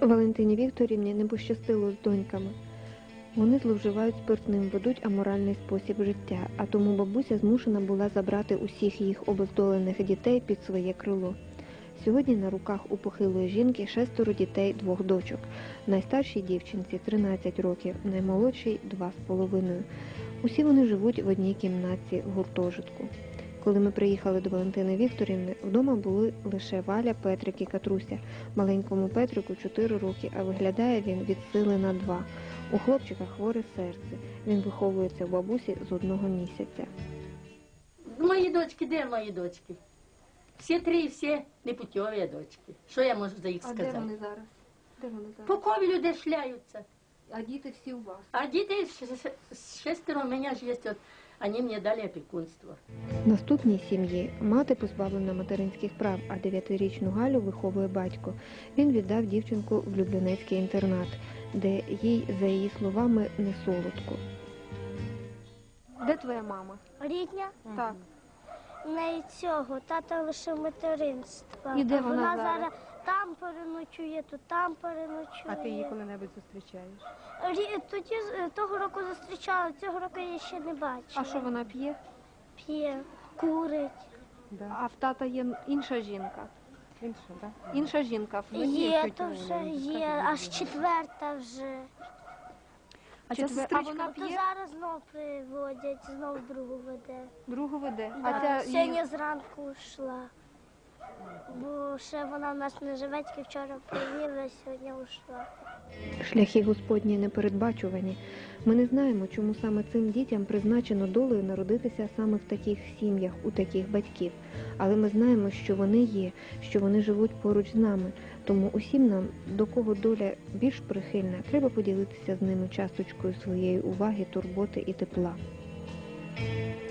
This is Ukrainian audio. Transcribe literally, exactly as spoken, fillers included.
Валентині Вікторівні не пощастило з доньками. Вони зловживають спиртним, ведуть аморальний спосіб життя, а тому бабуся змушена була забрати усіх їх обездолених дітей під своє крило. Сьогодні на руках у похилої жінки шестеро дітей, двох дочок. Найстаршій дівчинці тринадцять років, наймолодшій – два з половиною. Усі вони живуть в одній кімнатці в гуртожитку. Коли ми приїхали до Валентини Вікторівни, вдома були лише Валя, Петрик і Катруся. Маленькому Петрику чотири роки, а виглядає він від сили на два. У хлопчика хворе серце. Він виховується в бабусі з одного місяця. Мої дочки, де мої дочки? Всі три, всі непутьові дочки. Що я можу за їх сказати? А де вони зараз? Де вони зараз? По ковілю де шляються. А діти всі у вас? А діти шестеро у мене ж є, от, вони мені дали опікунство. В наступній сім'ї мати позбавлена материнських прав, а дев'ятирічну Галю виховує батько. Він віддав дівчинку в Люблянецький інтернат, де їй, за її словами, не солодко. Де твоя мама? Рідня? Так. В неї цього, тата лише материнства. І де А вона зараз? зараз там переночує, то там переночує. А ти її коли-небудь зустрічаєш? Рі- Тоді з- того року зустрічала, цього року я ще не бачила. А що вона п'є? П'є, курить. Да. А в тата є інша жінка. Інша, так? Інша жінка. Ну, є Є, тетя то Оля, вже ну, є, скажи, аж є. четверта вже. А ця Четвер- а сестричка, вона То п'є? зараз знов приводять, знов другу веде. Другу веде. Да. А ця Сьогодні її... зранку йшла. Бо ще вона в нас не живе, тільки вчора привіла, сьогодні йшла. Шляхи Господні непередбачувані. Ми не знаємо, чому саме цим дітям призначено долею народитися саме в таких сім'ях, у таких батьків. Але ми знаємо, що вони є, що вони живуть поруч з нами. Тому усім нам, до кого доля більш прихильна, треба поділитися з ними часточкою своєї уваги, турботи і тепла.